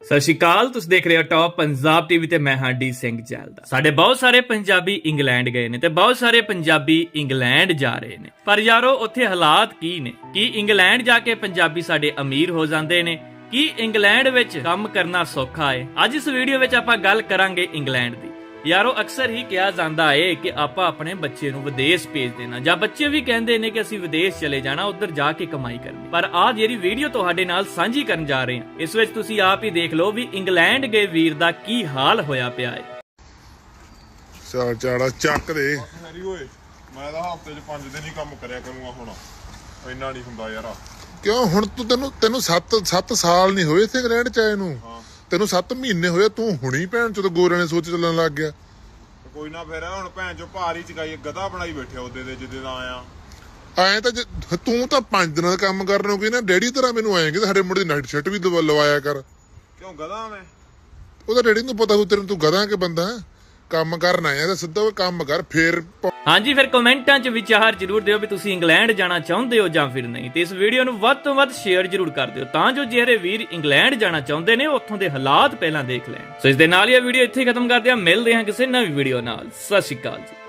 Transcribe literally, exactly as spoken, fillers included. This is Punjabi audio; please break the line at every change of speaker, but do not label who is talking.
ਸਤਿ ਸ਼੍ਰੀ ਅਕਾਲ। ਤੁਸੀਂ ਦੇਖ ਰਹੇ ਹੋ ਟੌਪ ਪੰਜਾਬ ਟੀਵੀ ਤੇ ਮੈਂ ਹਾਂ ਡੀ ਸਿੰਘ ਜੈਲਦਾ। ਸਾਡੇ ਬਹੁਤ ਸਾਰੇ ਪੰਜਾਬੀ ਇੰਗਲੈਂਡ ਗਏ ਨੇ ਤੇ ਬਹੁਤ ਸਾਰੇ ਪੰਜਾਬੀ ਇੰਗਲੈਂਡ ਜਾ ਰਹੇ ਨੇ, ਪਰ ਯਾਰੋ ਉੱਥੇ ਹਾਲਾਤ ਕੀ ਨੇ? ਕੀ ਇੰਗਲੈਂਡ ਜਾ ਕੇ ਪੰਜਾਬੀ ਸਾਡੇ ਅਮੀਰ ਹੋ ਜਾਂਦੇ ਨੇ? ਕੀ ਇੰਗਲੈਂਡ ਵਿੱਚ ਕੰਮ ਕਰਨਾ ਸੌਖਾ ਹੈ? ਅੱਜ ਇਸ ਵੀਡੀਓ ਵਿੱਚ ਆਪਾਂ ਗੱਲ ਕਰਾਂਗੇ ਇੰਗਲੈਂਡ ਦੀ। ਯਾਰੋ ਅਕਸਰ ਹੀ ਕਿਹਾ ਜਾਂਦਾ ਹੈ ਕਿ ਆਪਾਂ ਆਪਣੇ ਬੱਚੇ ਨੂੰ ਵਿਦੇਸ਼ ਭੇਜ ਦੇਣਾ, ਜਾਂ ਬੱਚੇ ਵੀ ਕਹਿੰਦੇ ਨੇ ਕਿ ਅਸੀਂ ਵਿਦੇਸ਼ ਚਲੇ ਜਾਣਾ, ਉੱਧਰ ਜਾ ਕੇ ਕਮਾਈ ਕਰਨੀ। ਪਰ ਆਹ ਜਿਹੜੀ ਵੀਡੀਓ ਤੁਹਾਡੇ ਨਾਲ ਸਾਂਝੀ ਕਰਨ ਜਾ ਰਹੇ ਹਾਂ, ਇਸ ਵਿੱਚ ਤੁਸੀਂ ਆਪ ਹੀ ਦੇਖ ਲਓ ਵੀ ਇੰਗਲੈਂਡ ਗਏ ਵੀਰ ਦਾ ਕੀ ਹਾਲ ਹੋਇਆ ਪਿਆ ਹੈ।
ਚਾੜ ਚਾੜਾ ਚੱਕ ਦੇ
ਹੈਰੀ ਓਏ, ਮੈਂ ਤਾਂ ਹਫਤੇ 'ਚ ਪੰਜ ਦਿਨ ਹੀ ਕੰਮ ਕਰਿਆ ਕਰੂੰਗਾ। ਹੁਣ ਇੰਨਾ ਨਹੀਂ ਹੁੰਦਾ ਯਾਰ।
ਕਿਉਂ ਹੁਣ ਤੂੰ ਤੈਨੂੰ ਤੈਨੂੰ ਸੱਤ ਸੱਤ ਸਾਲ ਨਹੀਂ ਹੋਏ ਇੱਥੇ ਇੰਗਲੈਂਡ ਚ ਆਏ ਨੂੰ, ਤੈਨੂੰ ਸੱਤ ਮਹੀਨੇ ਹੋਏ, ਤੂੰ ਹੁਣੀ ਭੈਣ ਚੋਂ ਗੋਰਿਆਂ ਨੇ ਸੋਚ ਚੱਲਣ ਲੱਗ ਗਿਆ।
ਕੋਈ ਨਾ ਫਿਰ ਹੁਣ ਭੈਣ ਚੋ ਭਾਰੀ ਚਕਾਈ ਗਧਾ ਬਣਾਈ ਬੈਠਿਆ ਉਹਦੇ ਦੇ ਜਿੱਦੇ ਦਾ ਆਇਆ।
ਐਂ ਤਾਂ ਜੇ ਤੂੰ ਤਾਂ ਪੰਜ ਦਿਨਾਂ ਦਾ ਕੰਮ ਕਰਨ ਨੂੰ ਕੋਈ ਨਾ ਡੈਡੀ ਤਰ੍ਹਾਂ ਮੈਨੂੰ ਆਏਂਗੇ ਸਾਡੇ ਮੁੰਡੇ ਦੀ ਨਾਈਟ ਸ਼ਰਟ ਵੀ ਦਵਾ- ਲਵਾਇਆ ਕਰ।
ਕਿਉਂ ਗਧਾ ਮੈਂ?
ਉਹਦਾ ਡੈਡੀ ਨੂੰ ਪਤਾ ਹੋ ਤੇਰੇ, ਤੂੰ ਗਧਾ ਕੇ ਬੰਦਾ ਕੰਮ ਕਰਨ ਆਇਆ ਤਾਂ ਸਿੱਧਾ ਕੰਮ ਕਰ ਫੇਰ।
ਹਾਂਜੀ, ਫਿਰ ਕਮੈਂਟਾਂ 'ਚ ਵਿਚਾਰ ਜ਼ਰੂਰ ਦਿਓ ਵੀ ਤੁਸੀਂ ਇੰਗਲੈਂਡ ਜਾਣਾ ਚਾਹੁੰਦੇ ਹੋ ਜਾਂ ਫਿਰ ਨਹੀਂ, ਤੇ ਇਸ ਵੀਡੀਓ ਨੂੰ ਵੱਧ ਤੋਂ ਵੱਧ ਸ਼ੇਅਰ ਜ਼ਰੂਰ ਕਰ ਦਿਓ ਤਾਂ ਜੋ ਜਿਹੜੇ ਵੀਰ ਇੰਗਲੈਂਡ ਜਾਣਾ ਚਾਹੁੰਦੇ ਨੇ ਉੱਥੋਂ ਦੇ ਹਾਲਾਤ ਪਹਿਲਾਂ ਦੇਖ ਲੈਣ। ਸੋ ਇਸ ਦੇ ਨਾਲ ਹੀ ਇਹ ਵੀਡੀਓ ਇੱਥੇ ਖਤਮ ਕਰਦੇ ਹਾਂ। ਮਿਲਦੇ ਹਾਂ ਕਿਸੇ ਨਵੀਂ ਵੀਡੀਓ ਨਾਲ। ਸਤਿ ਸ਼੍ਰੀ ਅਕਾਲ ਜੀ।